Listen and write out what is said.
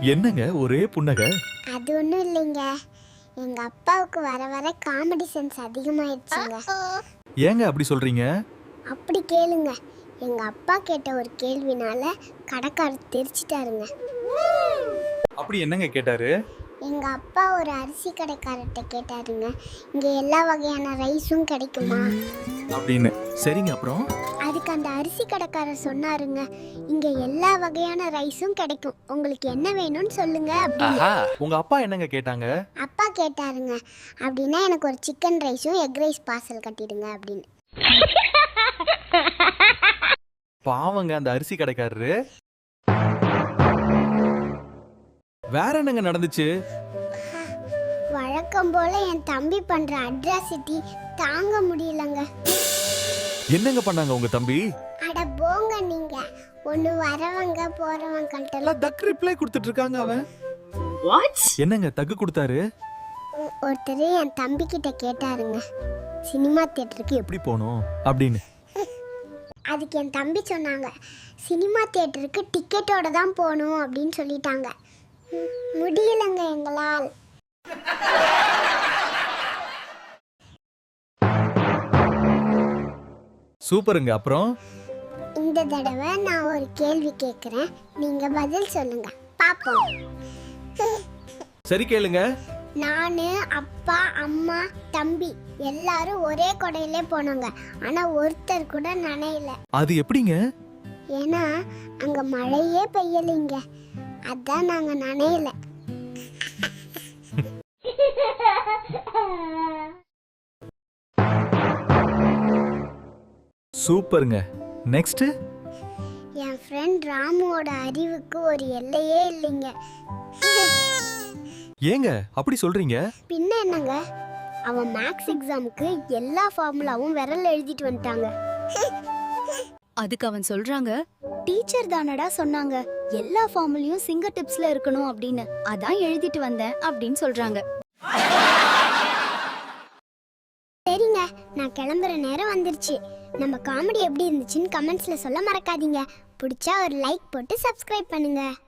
என்னங்க ஒரே புன்னகை? அது ஒன்றும் இல்லைங்க, எங்க அப்பாவுக்கு வர வர காமெடி சென்ஸ் அதிகமாயிடுச்சுங்க. ஏங்க அப்படி சொல்றீங்க? அப்படி கேளுங்க, எங்க அப்பா கேட்ட ஒரு கேள்வினால கடைக்காரர் தெரிச்சிட்டாருங்க. அப்படி என்னங்க கேட்டாரு? எங்க அப்பா ஒரு அரிசி கடைக்காரர்கிட்ட கேட்டாருங்க, இங்க எல்லா வகையான ரைஸும் கிடைக்குமா அப்படின்னு. சரிங்க, அப்புறம்? அதுக்கு அந்த அரிசி கடைக்காரர் சொன்னாருங்க, இங்க எல்லா வகையான ரைஸும் கிடைக்கும், உங்களுக்கு என்ன வேணும்னு சொல்லுங்க அப்படின்னு. உங்க அப்பா என்னங்க கேட்டாங்க? அப்பா கேட்டாருங்க, அப்படின்னா எனக்கு ஒரு சிக்கன் ரைஸும் எக் ரைஸ் பார்சல் கட்டிடுங்க அப்படின்னு. பாவங்க அந்த அரிசி கடைக்காரரு. வேற என்னங்க நடந்துச்சு? வழக்கம் போல என் தம்பி பண்ற அட்ராசிட்டி தாங்க முடியலங்க. என்னங்க பண்ணாங்க உங்க தம்பி? அட போங்க நீங்க, ஒண்ணு வரவங்க போறவங்கள்ட்ட தக் ரிப்ளை கொடுத்துட்டு இருக்காங்க அவன். வாட்? என்னங்க தக்கு கொடுத்தாரு? ஒருத்தர் என் தம்பி கிட்ட கேட்டாருங்க, சினிமா தியேட்டருக்கு எப்படி போனோம் அப்படின்னு. அதுக்கு என் தம்பி சொன்னாங்க, சினிமா தியேட்டருக்கு டிக்கெட்டோட தான் போகணும் அப்படின்னு சொல்லிட்டாங்க. முடியலங்க எங்களால். சூப்பருங்க, அப்புறம்? இந்த தடவை நான் ஒரு கேள்வி கேட்குறேன், நீங்க பதில் சொல்லுங்க பாப்போம். சரி கேளுங்க. நானு, அப்பா, அம்மா, தம்பி எல்லாரும் ஒரே கொடையிலே போனோங்க, ஆனா ஒருத்தர் கூட நனையல. அது எப்படிங்க? ஏன்னா அங்க மழையே பெய்யலைங்க, அதான் நாங்க நனையல. சூப்பருங்க. நெக்ஸ்ட். என் ஃப்ரெண்ட் ராமுவோட அறிவுக்கு ஒரு எல்லையே இல்லைங்க. ஏங்க அப்படி சொல்றீங்க? பின்ன என்னங்க, அவன் மேக்ஸ் எக்ஸாமுக்கு எல்லா ஃபார்முலாவும் விரல்ல எழுதிட்டு வந்துட்டாங்க. அதுக்கு அவன் சொல்றாங்க, டீச்சர் தானடா சொன்னாங்க எல்லா ஃபார்முலையும் சிங்கர் டிப்ஸ்ல இருக்கணும் அப்படின்னு, அதான் எழுதிட்டு வந்தேன் அப்படின்னு சொல்றாங்க. சரிங்க, நான் கிளம்புற நேரம் வந்துருச்சு. நம்ம காமெடி எப்படி இருந்துச்சுன்னு கமெண்ட்ஸ்ல சொல்ல மறக்காதீங்க. பிடிச்சா ஒரு லைக் போட்டு சப்ஸ்கிரைப் பண்ணுங்க.